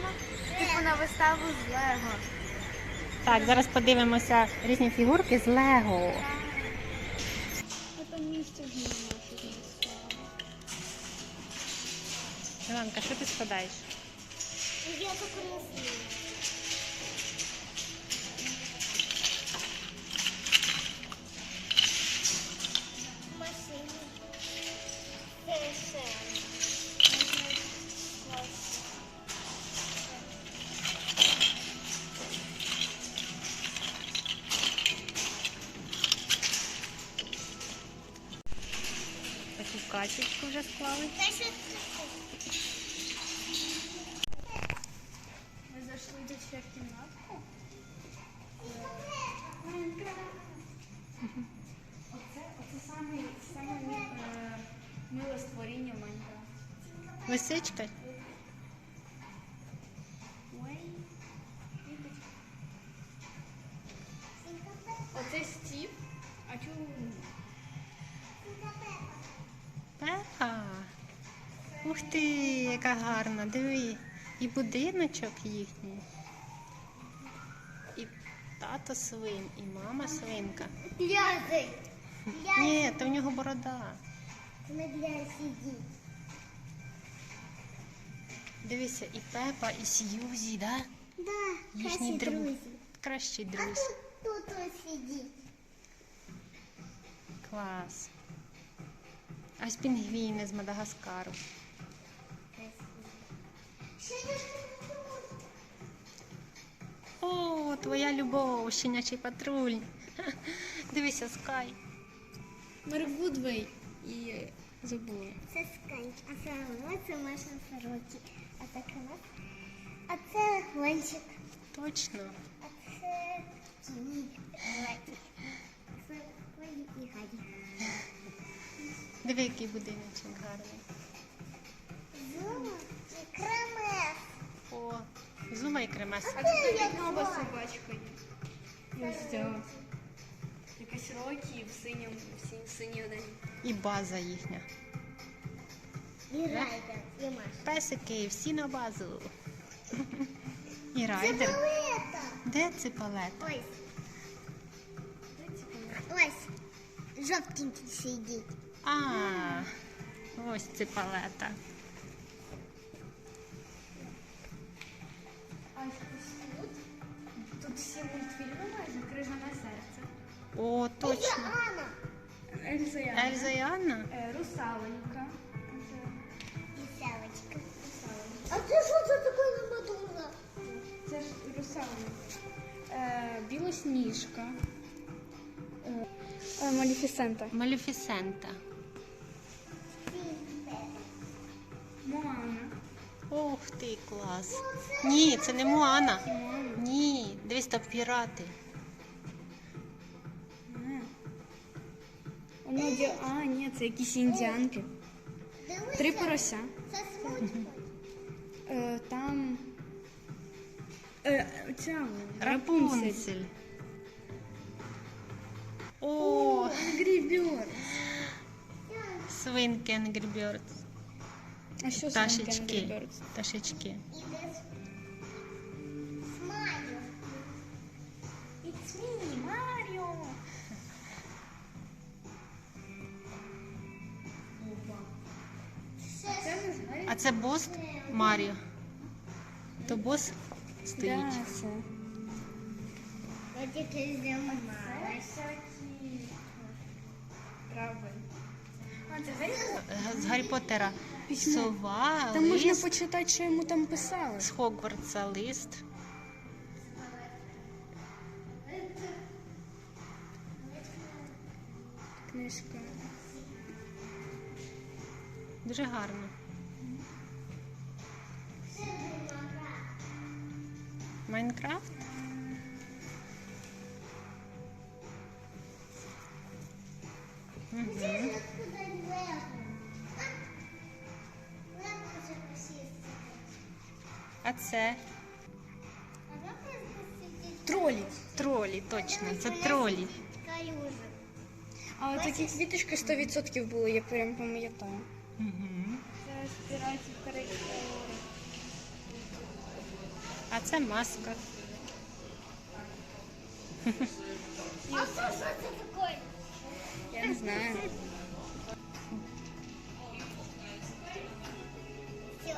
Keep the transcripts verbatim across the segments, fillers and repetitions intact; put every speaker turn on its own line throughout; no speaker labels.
Йдемо типу на виставу з Лего.
Так, зараз подивимося різні фігурки з Лего.
Це місце в ньому.
Іванка, що ти складаєш?
Я так красиво. Машини.
Таку качечку вже склали.
Ми зайшли до ще в кімнатку. Оце, оце саме, саме е, миле створіння в Майнкрафті.
Лисичка?
Ой. Оце Стів, а чому?
Пепа. Ух ти, яка гарна, диви. І будиночок їхній. І тато свин, і мама свинка.
Пляжи.
Ні, то в нього борода.
На пляжі сидіть.
Дивися, і Пепа, і Сьюзі, да?
Да,
Їхні
красі
друзі.
друзі.
Кращі
А
друзі.
тут, тут ось сидіть.
Клас. А ось пінгвіни з Мадагаскару. О, твоя любов, щенячий патруль. Дивися, Скай.
Мервудвей і забула.
Це Скай, а це це Маша Сороки. А так у нас. А це Гончик.
Точно.
А це Тіні. Це Колі і Гаді.
Диви, який будиночок гарний.
Зума і Кремес.
О, Зума і Кремес.
А тут навіть нова собачка є. Ось ця. Якась Рокі в синьому, в синій, синій одежі.
І база їхня.
І Райдер, і Маша.
Песики, всі на базу. І
Це
райдер.
палета.
Де це палета?
Ось. Ось. Жовтенький сидить.
А, ось це палета.
А ось тут, тут всі мультфільми майже «Крижане серце».
О,
Це
точно.
Анна.
Ельза і Анна.
Ельза і Анна?
Е, Русаленька.
І Савочка. А це що це таке на Мадонна?
Це ж Русаленька. Е, Білосніжка. Е, е, Малефісента.
Малефісента.
Моана.
Ох ти, клас. Ні, це не Моана. Ні, дивись, там пірати.
Воно ді... А, ні, це якісь індіанки.
Дивися.
Три порося.
Це смучка.
Е, там... Е, ця Рапунцель.
Рапунцель. О,
Angry Birds.
свинки Angry Birds.
А що це
Пташечки.
Angry Birds?
Пташечки.
І десь Смайлю.
It's me, Mario.
Це
Це ми знаємо.
А це бос Маріо. То бос стоїть.
Да, це.
я тільки знімала.
всякі трави. А, це Гаррі
Е, З Гаррі Поттера.
Письмо.
Сова,
Там можна
лист.
почитати, що йому там писали.
З Хогвартса лист.
Книжка.
Дуже гарно. Майнкрафт? Угу. А це
Тролі.
тролі, точно, це тролі.
А такі квіточки сто відсотків були, я прям пам'ятаю.
Угу.
Це спіральці Карибського
А це маска.
А що, що це таке?
Я не знаю.
Все.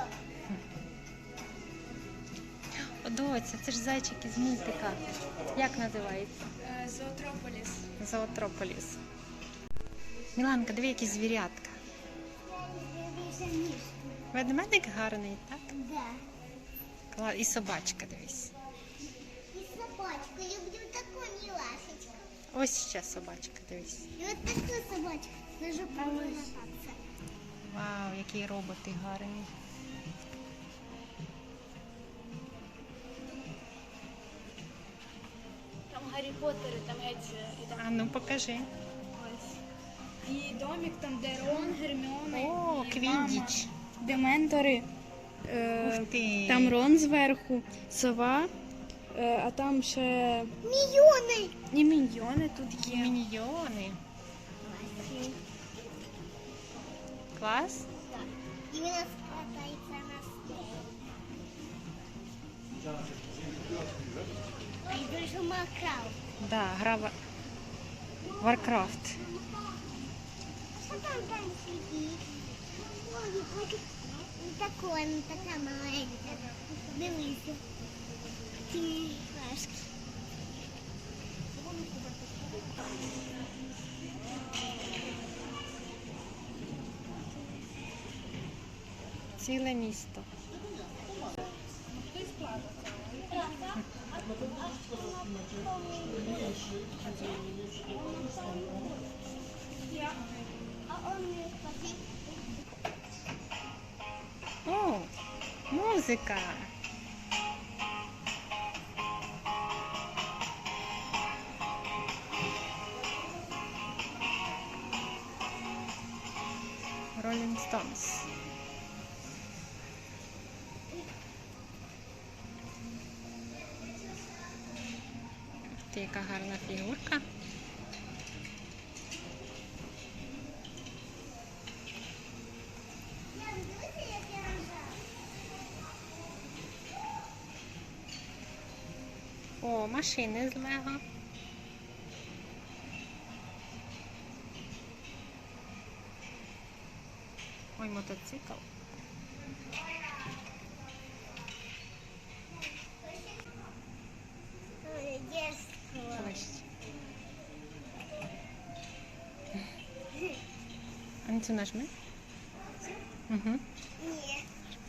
О, доця, це ж зайчик із мультика. Як називається?
Е, Зоотрополіс.
Зоотрополіс. Міланка, диви, які звірятка.
Я не мішку.
Ведмедик гарний, так?
Да.
Кла- І собачка, дивись.
І собачку. Люблю таку милашечку.
Ось ще собачка, дивись.
І от таку собачку. Даже покататися.
Вау, які роботи гарні.
Там Гаррі Поттери, там геть і там
А ну покажи.
ось. І домик там, де Рон, Герміона
О,
і
Квіддіч.
мама. Де ментори. Е,
Ух ти.
Там Рон зверху, сова, е, а там ще
Мільйони.
і міньйони тут є.
Міньйони. Клас?
Так. І він скатається на стелі. І дуже макав.
Да, гра в Warcraft.
Що там там сидить? Ой, ой, не такое, не така маленька. Дивися. Ті флешки.
Ціле місто.
А он не хотів.
О, музика. Rolling Stones. Ти, яка гарна фігурка.
Я дивися, як я рожаю.
О, машини з Лего. Ой, мотоцикл.
Ой, дєство.
Ось. А на цю нажми. Угу.
Ні.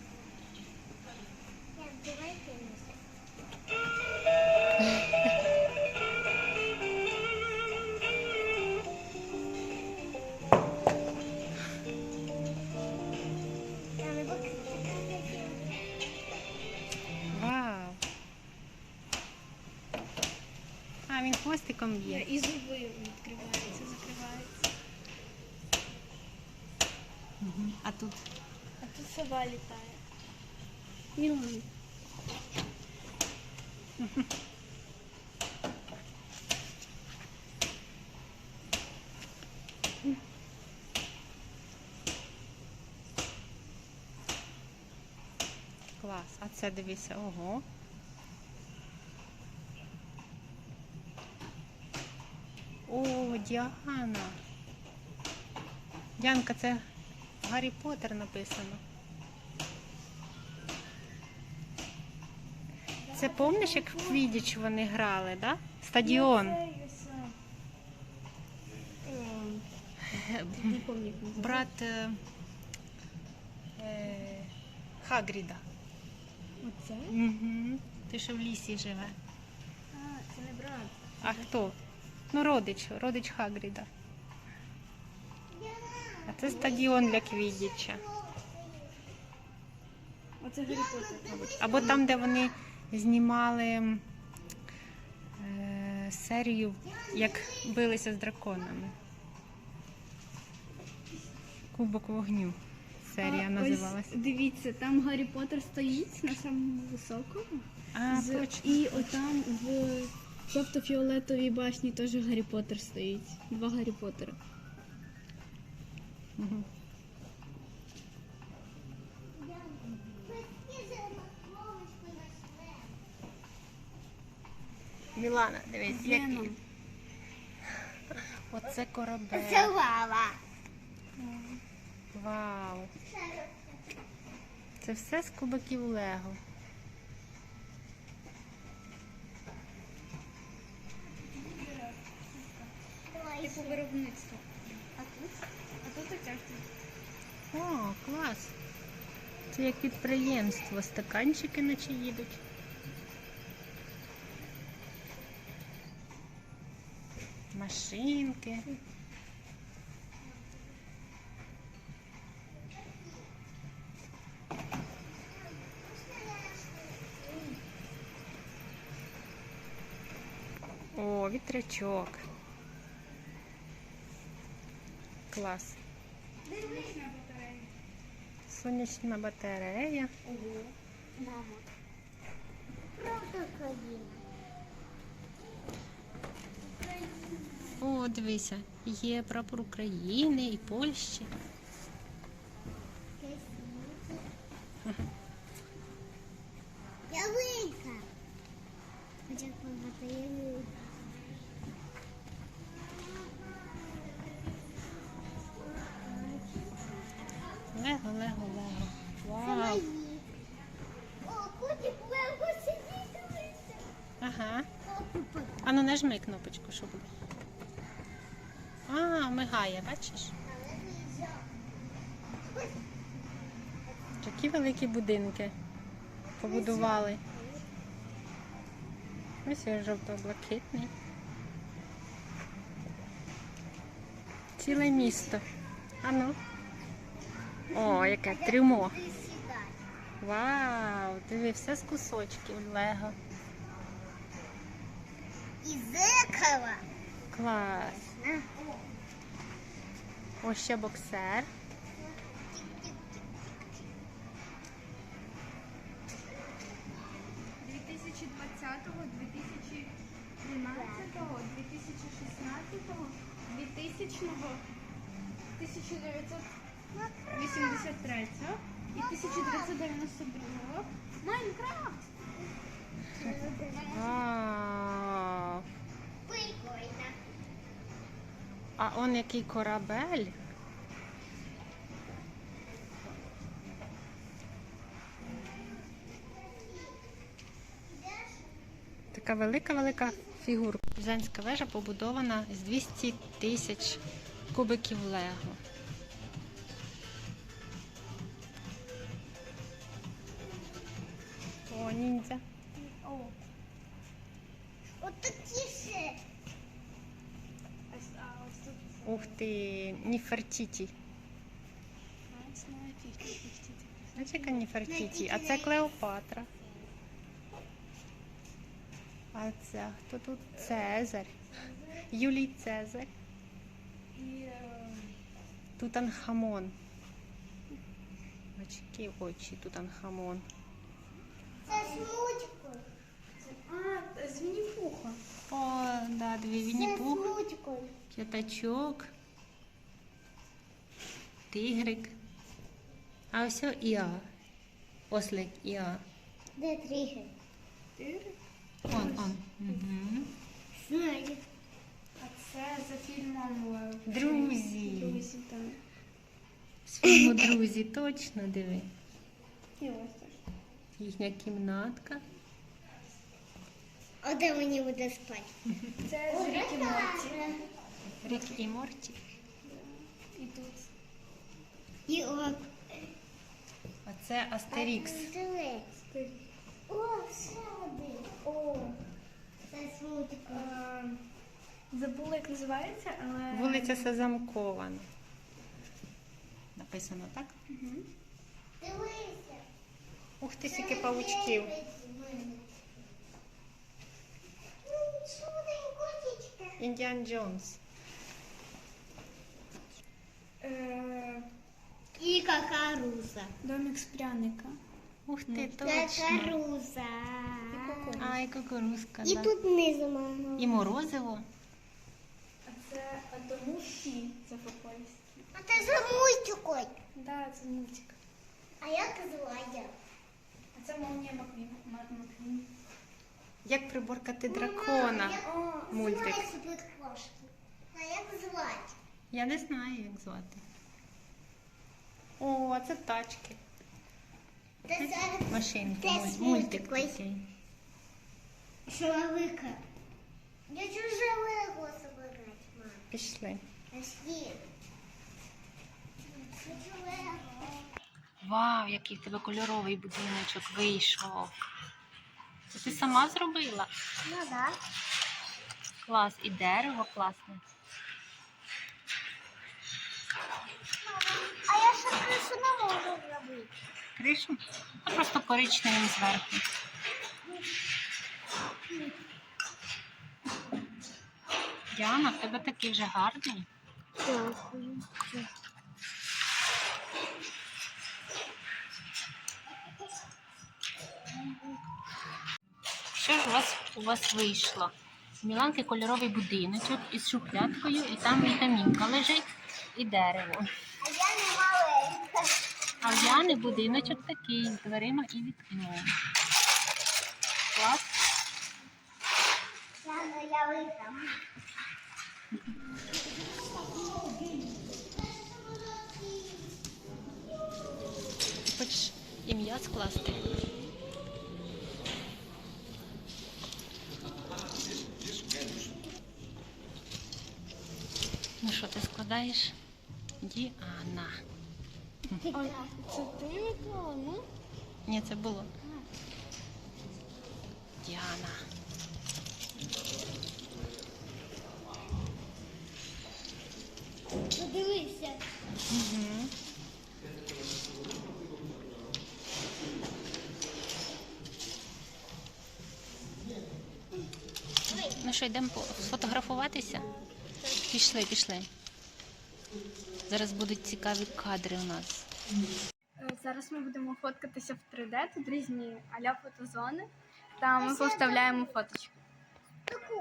Я давай кинуся. Там і бок.
Вау. А, він хвостиком б'є.
І зуби відкриваються, закриваються.
Угу. А тут
А тут сова літає. Мілан.
клас. А це дивися, ого. О, Діана. Діанка, це Гаррі Поттер написано. Це помниш, як в Квіддіч вони грали, да? Стадіон.
Не пам'ятаю, як називається.
Брат е, е, Хагріда.
Оце?
Угу. Ти що в лісі живе.
А, це не брат.
А хто? Ну, родич, родич Хагріда. А це стадіон для Квіддіча.
Оце Гаррі Поттер, мабуть.
Або там, де вони знімали е, серію, як билися з драконами. Кубок вогню. Серія
А,
називалась.
Ось, дивіться, там Гаррі Поттер стоїть на самому високому.
А,
З-
точно.
І отам в жовто-фіолетовій башні теж Гаррі Поттер стоїть. Два Гаррі Поттера.
Мгм. Мілана, дивись,
Веном.
який. Оце
Це
корабель.
лава.
Вау. Це все з кубиків Лего.
Типу виробництво. А тут? А тут оця штука.
О, клас. Це як підприємство. Стаканчики наче їдуть. Машинки. О, вітрячок. Клас.
Дивись на батарею.
Сонячна батарея.
Ого. Мама.
Правда, країна.
О, дивися, є прапор України і Польщі.
Ялинка. Хоча багато ялинка.
Лего, лего, лего.
Це
Вау.
мої. О, котик лего сидить, дивиться.
Ага.
О, купи.
А ну нажми кнопочку, що буде. А, мигає, бачиш?
Але виїжджав. Ось.
Такі великі будинки побудували. Ось він жовто-блакитний. Ціле місто. А ну. О, яке трюмо.
Ти сідай.
Вау, диви, все з кусочків Лего.
І зеркало.
Клас.
На.
Ось ще боксер.
дві тисячі двадцятого, дві тисячі тринадцятого, дві тисячі шістнадцятого, дві тисячного, тисяча дев'ятсот вісімдесят третього і тисяча дев'ятсот дев'яносто другого. Майнкрафт!
Вау.
Прикольно.
А он який корабель. Така велика-велика фігурка. Пізанська вежа побудована з двісті тисяч кубиків Лего. О, ніндзя.
О,
От такі ще.
ось, а ось тут
Ух ти, Ніфертіті.
п'ятнадцять.
Знаєш, яка Ніфертіті? А це Клеопатра. А це хто тут? Цезарь. Юлій Цезарь.
І е,
Тутанхамон. Очки, очі, Тутанхамон.
Це смучкою.
а, з Вінні-Пуха.
О, да, дві
Це
Вінні-Пух,
смучкою.
п'ятачок, тигрик. А ось о Іа. Ослик Іа.
Де тригер?
Ти?
Он, он. Угу.
Знаю.
А це за фільмом е,
Друзі.
Друзі, там.
З фільму «Друзі», точно диви.
І ось теж.
Їхня кімнатка.
А де мені буде спати?
Це з Рік і Морті.
Рік і Морті.
І тут.
І о.
А це Астерікс.
Дивись. О, ще один.
О,
Це смучкою.
е, забула, як називається, але...
Вулиця Сезамкована. Написано так?
Мгм.
Дивися.
Ух ти, скільки павучків. Індіан Джонс.
Е,
І какаруза.
Домик з пряника.
Ух ти, точно.
Какаруза.
Ай, кукурузка,
І
да.
тут внизу мама.
І морозиво.
А це а тому Ші, це по-польськи.
А це за мультикой.
Да, це мультик.
А як звати?
А це молнія Маквін. Ма- Маквін.
Як приборкати дракона.
О,
Мультик.
знаю собі кошки. А як звати?
Я не знаю, як звати. О, це тачки.
Та зараз
Машинки.
Теж
муль- Мультик
мультик.
такий.
шаловика. Я чужого собирать, мам.
Пішли.
Пошли. Хочу Лего.
Вау, який в тебе кольоровий будиночок вийшов. Це ти сама зробила?
Ну да.
Клас. І дерево класне.
А я ще кришу не можу зробити.
Кришу? А просто коричневим зверху. Діана, в тебе такий вже гарний.
Дякую.
Що ж у вас у вас вийшло? У Міланки кольоровий будиночок із шухлядкою, і там вітамінка лежить, і дерево.
А я не маленька.
А в Яни будиночок такий, з дверима і вікном. Клас.
Я не я виграм.
Хочеш ім'я скласти? Ну що, ти складаєш? Діана.
Ой, це ти виклала, ну?
Ні, це було. Діана.
Подивися.
Угу. Ну що, йдемо по- сфотографуватися? Пішли, пішли. Зараз будуть цікаві кадри у нас.
Е, Зараз ми будемо фоткатися в три де, тут різні а-ля фотозони. Та ми повставляємо фоточки.
Таку.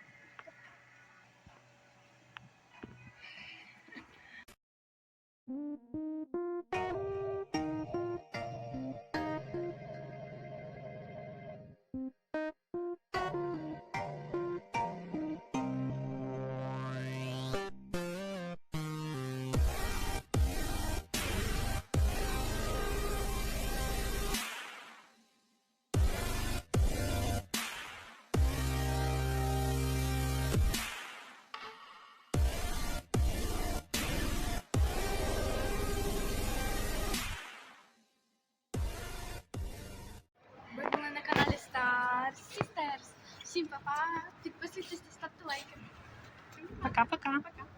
Ви були на каналі Star Sisters. Всім па-па, підписуйтесь та ставте лайки.
Пока-пока.
Пока.